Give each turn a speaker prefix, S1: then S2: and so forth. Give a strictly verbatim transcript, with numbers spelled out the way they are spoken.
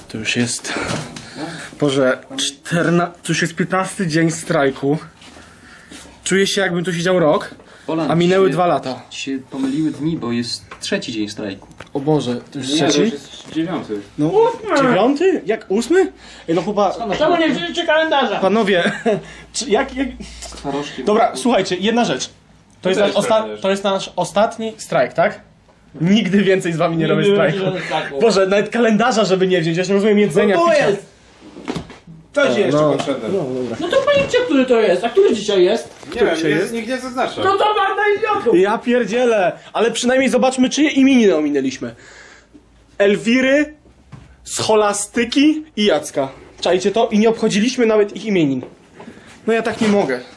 S1: To już jest... Boże, czterna... to już jest piętnasty dzień strajku. Czuję się, jakbym tu siedział rok,
S2: Poland,
S1: a minęły
S2: się,
S1: dwa lata.
S2: Ci się pomyliły dni, bo jest trzeci dzień strajku.
S1: O Boże, to już
S3: Nie, to
S1: trzeci?
S3: już jest dziewiąty.
S1: No, dziewiąty? Jak ósmy? Ej, no chyba...
S4: Czemu nie wzięliście kalendarza?
S1: Panowie, czy jak... jak...
S2: Z twarożkiem.
S1: Dobra, słuchajcie, jedna rzecz. To jest,
S3: też
S1: nasz osta...
S3: będziesz.
S1: to jest nasz ostatni strajk, tak? Nigdy więcej z wami nie, robię strajku.
S4: strajku.
S1: Boże, nawet kalendarza, żeby nie wziąć, ja nie rozumiem jedzenia,
S4: No to
S1: picia.
S4: jest!
S3: To ci jeszcze
S1: no.
S3: potrzebne.
S1: No, dobra.
S4: No to powiedzcie, który to jest, a który dzisiaj jest?
S3: Nie wiem,
S1: dzisiaj
S3: nie,
S1: jest?
S3: nikt nie zaznacza.
S4: No to banda idiotów!
S1: Ja pierdzielę, ale przynajmniej zobaczmy, czyje imieniny ominęliśmy. Elwiry, Scholastyki i Jacka. Czajcie to? I nie obchodziliśmy nawet ich imienin. No ja tak nie mogę.